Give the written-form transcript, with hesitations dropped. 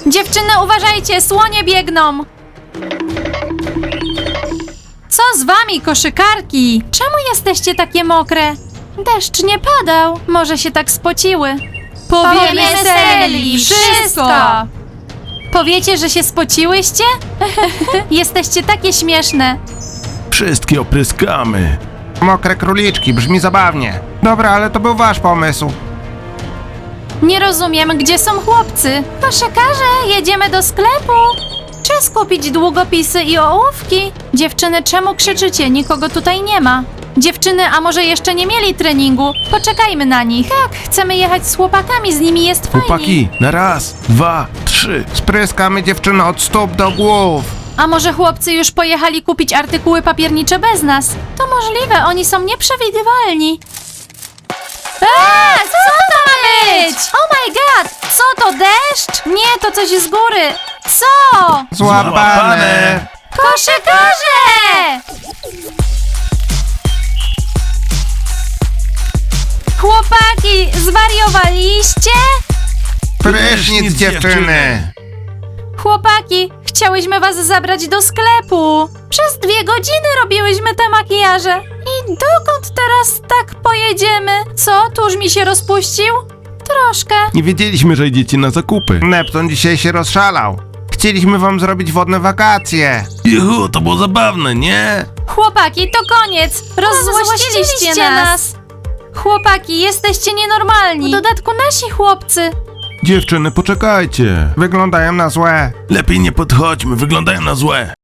Dziewczyny, uważajcie, słonie biegną! Co z wami, koszykarki? Czemu jesteście takie mokre? Deszcz nie padał, może się tak spociły. Powiemy Seli wszystko! Powiecie, że się spociłyście? Jesteście takie śmieszne. Wszystkie opryskamy. Mokre króliczki, brzmi zabawnie. Dobra, ale to był wasz pomysł. Nie rozumiem, gdzie są chłopcy. Koszykarze, jedziemy do sklepu. Czas kupić długopisy i ołówki. Dziewczyny, czemu krzyczycie? Nikogo tutaj nie ma. Dziewczyny, a może jeszcze nie mieli treningu? Poczekajmy na nich. Tak, chcemy jechać z chłopakami, z nimi jest fajnie. Chłopaki, na raz, 2, 3. Spryskamy dziewczyny od stóp do głów. A może chłopcy już pojechali kupić artykuły papiernicze bez nas? To możliwe, oni są nieprzewidywalni. Co to ma być? Oh my god! Co to, deszcz? Nie, to coś z góry. Co? Złapane. Koszykarze! Chłopaki, zwariowaliście? Prysznic dziewczyny. Chłopaki, chciałyśmy was zabrać do sklepu. Przez 2 godziny robiłyśmy te makijaże. I dokąd teraz tak pojedziemy? Co, tuż mi się rozpuścił? Troszkę. Nie wiedzieliśmy, że idziecie na zakupy. Neptun dzisiaj się rozszalał. Chcieliśmy wam zrobić wodne wakacje. Juhu, to było zabawne, nie? Chłopaki, to koniec. Rozzłościliście nas. Chłopaki, jesteście nienormalni. W dodatku nasi chłopcy. Dziewczyny, poczekajcie. Wyglądają na złe. Lepiej nie podchodźmy, wyglądają na złe.